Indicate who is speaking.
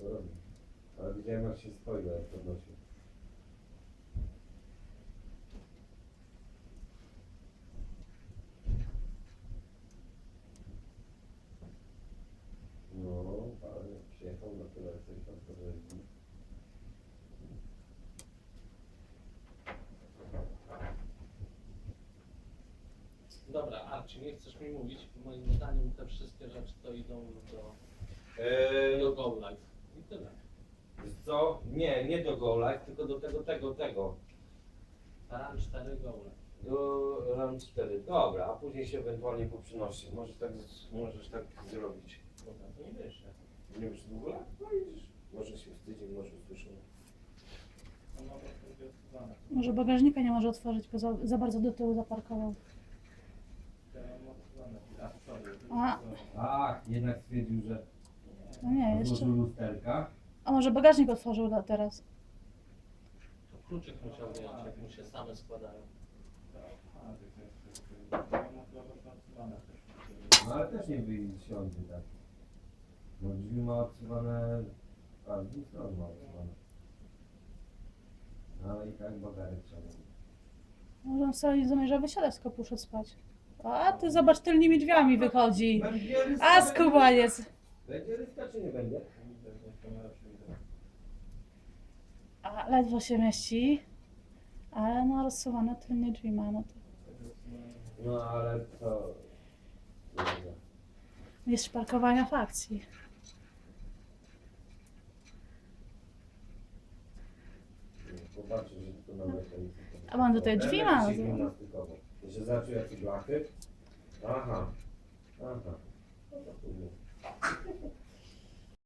Speaker 1: to robi. Ale widziałem jak się stoi, jak podnosił. No, ale przyjechał na tyle, coś tam podjeździł.
Speaker 2: Dobra, Arci, nie chcesz mi mówić, moim zdaniem te wszystkie rzeczy to idą do Go Live. I tyle.
Speaker 1: Wiesz co? Nie do Go Live, tylko do tego.
Speaker 2: Run 4 Go Live.
Speaker 1: Do RAM 4. Dobra, a później się ewentualnie poprzynosi. Możesz tak zrobić.
Speaker 2: Dobra, to nie wiesz.
Speaker 1: Nie wiesz w ogóle? No widzisz. Może się wstydzi, może usłyszymy.
Speaker 2: On ma po prostu odsuwane.
Speaker 3: Może bagażnika nie może otworzyć, bo za bardzo do tyłu zaparkował.
Speaker 2: Ja mam odsuwane. A, sorry.
Speaker 3: A.
Speaker 1: Tak, jednak stwierdził, że
Speaker 3: No nie, jeszcze.
Speaker 1: złożył lusterka.
Speaker 3: A może bagażnik otworzył teraz?
Speaker 2: To kluczyk musiał wyjąć, jak mu się same składają.
Speaker 1: No ale też nie wysiądzie tak. Bo drzwi ma odsuwane, a z dwóch stron ma odsuwane. Ale i tak bagarek trzeba.
Speaker 3: Może on wcale nie zamierza wysiadać, tylko poszedł spać. A ty zobacz, tylnymi drzwiami wychodzi. A skubaniec.
Speaker 1: Będzie ryska czy nie będzie?
Speaker 3: A ledwo się mieści. Ale no rozsuwane tylnie drzwi ma, no to.
Speaker 1: No ale to...
Speaker 3: Jest parkowania w akcji.
Speaker 1: Popatrzę, że to na mechanice.
Speaker 3: A on tutaj drzwi ma.
Speaker 1: Że zaczął jakieś blachy. Aha.